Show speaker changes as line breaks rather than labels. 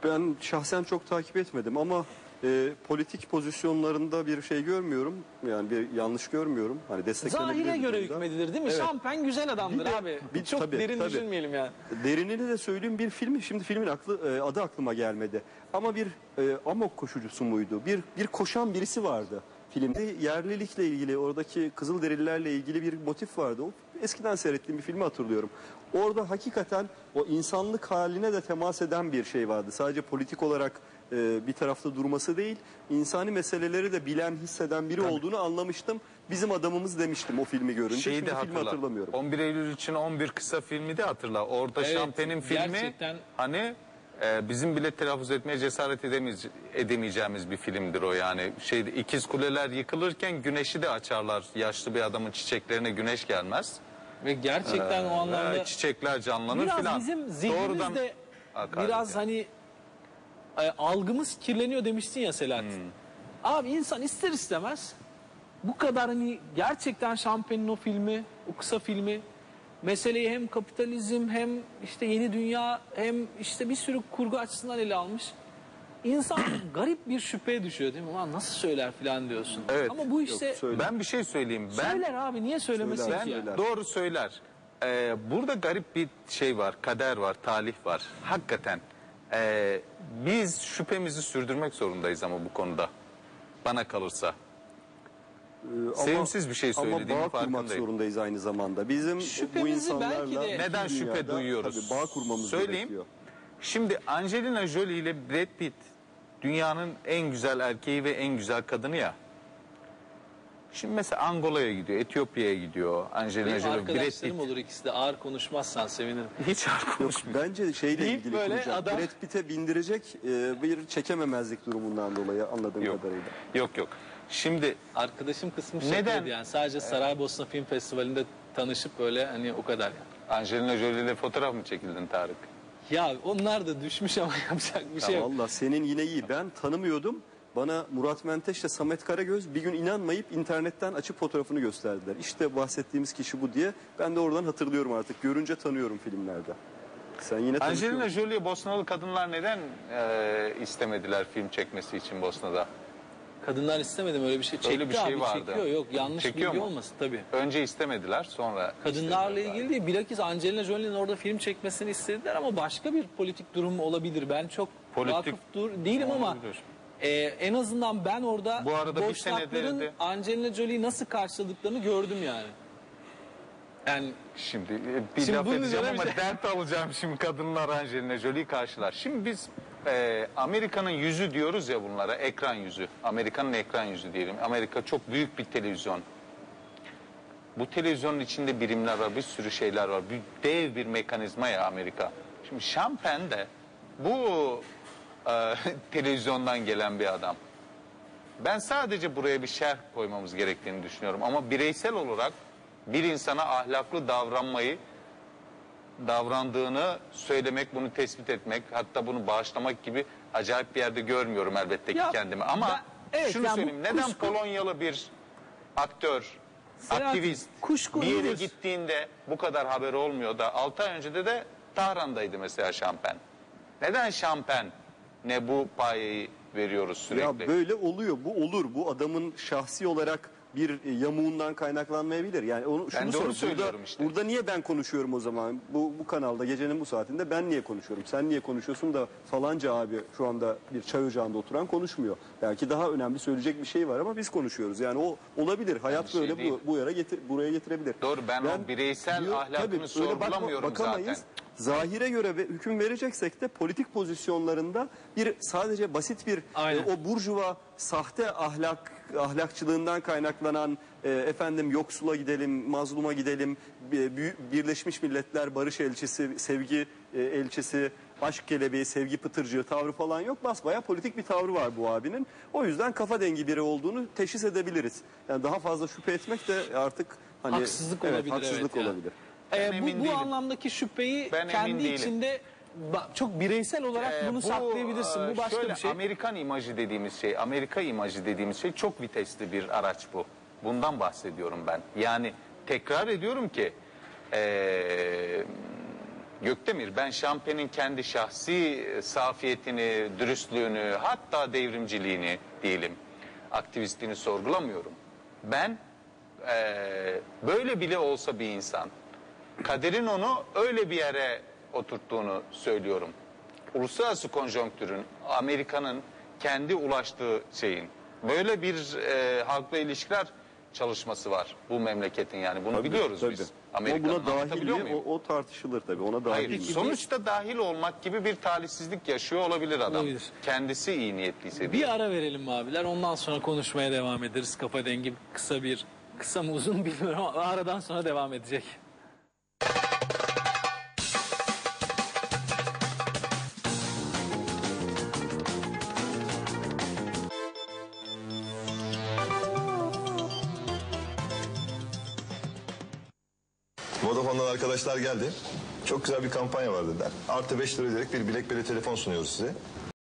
Ben şahsen çok takip etmedim ama politik pozisyonlarında bir şey görmüyorum. Yani bir yanlış görmüyorum. Hani desteklenebilir
Zahire
bir
göre
durumda.
hükmedilir değil mi?
Evet.
Şampen güzel adamdır
Bir de-
abi.
bir-
Çok
tabii,
derin
tabii.
düşünmeyelim yani.
Derinini de söyleyeyim, bir film, şimdi filmin adı aklıma gelmedi. Ama bir amok koşucusu muydu? Bir koşan birisi vardı filmde. Yerlilikle ilgili, oradaki Kızılderililerle ilgili bir motif vardı. O, eskiden seyrettiğim bir filmi hatırlıyorum. Orada hakikaten o insanlık haline de temas eden bir şey vardı. Sadece politik olarak bir tarafta durması değil, insani meseleleri de bilen, hisseden biri olduğunu anlamıştım. Bizim adamımız demiştim o filmi görünce.
Şeyi
Şimdi
de
filmi
hatırla.
hatırlamıyorum.
11 Eylül için 11 kısa filmi de hatırla. Orada
Evet,
Şampen'in filmi
gerçekten.
hani bizim bile telaffuz etmeye cesaret edemeyeceğimiz bir filmdir o yani. Şeyde ikiz kuleler yıkılırken güneşi de açarlar. Yaşlı bir adamın çiçeklerine güneş gelmez.
Ve gerçekten o anlamda
Çiçekler canlanır
biraz
filan.
bizim zihnimiz de
hakaret
biraz
yani.
hani algımız kirleniyor demiştin ya Selahattin. Abi insan ister istemez bu kadar hani gerçekten Şampen'in o filmi, o kısa filmi meseleyi hem kapitalizm hem işte yeni dünya hem işte bir sürü kurgu açısından ele almış. İnsan garip bir şüpheye düşüyor değil mi? Ulan nasıl söyler falan diyorsun.
Evet.
Ama bu işte
söyle.
Ben bir şey söyleyeyim.
söyler abi, niye söylemesin
Söyler,
ki ya?
söyler.
Doğru söyler. Burada garip bir şey var, kader var, talih var. Hakikaten biz şüphemizi sürdürmek zorundayız ama bu konuda. Bana kalırsa. Sevimsiz bir şey
Ama
söylediğimin
bağ kurmak
farkındayım.
zorundayız aynı zamanda. Bizim bu
Şüphemizi
insanlarla
belki de-
Neden
bütün
şüphe
dünyada
duyuyoruz?
tabii bağ kurmamız
Söyleyeyim.
gerekiyor.
Şimdi Angelina Jolie ile Brad Pitt dünyanın en güzel erkeği ve en güzel kadını ya. Şimdi mesela Angola'ya gidiyor, Etiyopya'ya gidiyor Angelina
Benim
Jolie, Brad Pitt.
arkadaşlarım olur ikisi de, ağır konuşmazsan sevinirim.
Hiç konuşmuyor.
Bence şeyle
Deyip
ilgili
böyle
kuracak.
adam-
Brad Pitt'e bindirecek bir çekememezlik durumundan dolayı anladığım
Yok.
kadarıyla.
Yok. Şimdi
Arkadaşım kısmı
Neden?
şakaydı yani. Sadece Saraybosna Film Festivali'nde tanışıp böyle hani o kadar yani.
Angelina Jolie ile fotoğraf mı çekildin Tarık?
Ya onlar da düşmüş ama yapacak bir şey
Ya
yok.
valla senin yine iyi. Ben tanımıyordum. Bana Murat Menteş ile Samet Karagöz bir gün inanmayıp internetten açıp fotoğrafını gösterdiler. İşte bahsettiğimiz kişi bu diye. Ben de oradan hatırlıyorum artık. Görünce tanıyorum filmlerde. Sen yine
Angelina
tanışıyorsun.
Jolie Bosnalı kadınlar neden istemediler film çekmesi için Bosna'da?
Kadınlar istemedim öyle bir şey. Çekti
Öyle bir şey
abi,
vardı.
çekiyor. Yok yanlış
Çekiyor
bilgi
mu?
olmasın tabii.
Önce istemediler sonra
Kadınlarla
istediler.
ilgili değil. Bilakis Angelina Jolie'nin orada film çekmesini istediler ama başka bir politik durum olabilir. Ben çok
Politik-
vakıf değilim ama
Olabilir.
en azından ben orada
Bu arada bir
boşnakların
senedir de-
Angelina Jolie'yi nasıl karşıladıklarını gördüm yani. Yani
Şimdi bir
Şimdi
laf
bunun
edeceğim
üzerine
ama
bir şey-
dert alacağım şimdi kadınlar Angelina Jolie'yi karşılar. Şimdi biz Amerika'nın yüzü diyoruz ya bunlara, ekran yüzü. Amerika'nın ekran yüzü diyelim. Amerika çok büyük bir televizyon. Bu televizyonun içinde birimler var, bir sürü şeyler var. Dev bir mekanizma ya Amerika. Şimdi Şampen de bu televizyondan gelen bir adam. Ben sadece buraya bir şerh koymamız gerektiğini düşünüyorum. Ama bireysel olarak bir insana ahlaklı davrandığını söylemek, bunu tespit etmek, hatta bunu bağışlamak gibi acayip bir yerde görmüyorum elbette ki
Ya,
kendimi. Ama
evet,
şunu
yani bu
söyleyeyim, neden
kuşku-
Polonyalı bir aktör,
Selahattin,
aktivist
kuşku
bir yere
nedir?
gittiğinde bu kadar haber olmuyor da 6 ay önce de Tahran'daydı mesela Şampen. Neden Şampen ne bu payeyi veriyoruz sürekli?
Ya böyle oluyor. Bu olur. Bu adamın şahsi olarak bir yamuğundan kaynaklanmayabilir. Yani onu
Ben
şunu
de onu
sor.
söylüyorum işte.
Burada niye ben konuşuyorum o zaman? Bu kanalda gecenin bu saatinde ben niye konuşuyorum? Sen niye konuşuyorsun da falanca abi şu anda bir çay ocağında oturan konuşmuyor. Belki daha önemli söyleyecek bir şey var ama biz konuşuyoruz. Yani o olabilir. Hayat
şey
böyle
değil.
buraya getirebilir.
Doğru, ben o bireysel ahlakını
tabii, öyle
sorgulamıyorum
bakamayız.
zaten.
Zahire göre ve hüküm vereceksek de politik pozisyonlarında sadece basit bir
Aynen.
o burjuva sahte ahlakçılığından kaynaklanan yoksula gidelim, mazluma gidelim, Birleşmiş Milletler barış elçisi, sevgi elçisi, aşk kelebeği, sevgi pıtırcığı tavrı falan yok. Basbayağı politik bir tavrı var bu abinin. O yüzden kafa dengi biri olduğunu teşhis edebiliriz. Yani daha fazla şüphe etmek de artık hani
Haksızlık
evet,
olabilir,
haksızlık
evet ya.
olabilir.
Ben emin
bu
değilim.
anlamdaki şüpheyi
Ben emin
kendi
değilim.
içinde çok bireysel olarak bunu saklayabilirsin. Bu başka
şöyle,
bir şey.
Amerikan imajı dediğimiz şey, Amerika imajı dediğimiz şey çok vitesli bir araç bu. Bundan bahsediyorum ben. Yani tekrar ediyorum ki Gökdemir, ben Şampen'in kendi şahsi safiyetini, dürüstlüğünü, hatta devrimciliğini diyelim, aktivistliğini sorgulamıyorum. Ben böyle bile olsa bir insan, kaderin onu öyle bir yere oturttuğunu söylüyorum. Uluslararası konjonktürün, Amerika'nın kendi ulaştığı şeyin, böyle bir halkla ilişkiler çalışması var bu memleketin, yani bunu biliyoruz
Tabii.
biz.
Ama
Amerika'nın,
buna dahil
anlatabiliyor
mi?
muyum?
O tartışılır tabii. Ona dahil
Hayır,
mi?
sonuçta dahil olmak gibi bir talihsizlik yaşıyor olabilir adam.
Olabilir.
Kendisi iyi niyetliyse diye.
Bir ara verelim abiler. Ondan sonra konuşmaya devam ederiz. Kafa dengi kısa mı uzun mu bilmiyorum ama aradan sonra devam edecek.
Vodafone'dan arkadaşlar geldi. Çok güzel bir kampanya var dediler. Artı 5 lira ödeyerek bir BlackBerry telefon sunuyoruz size.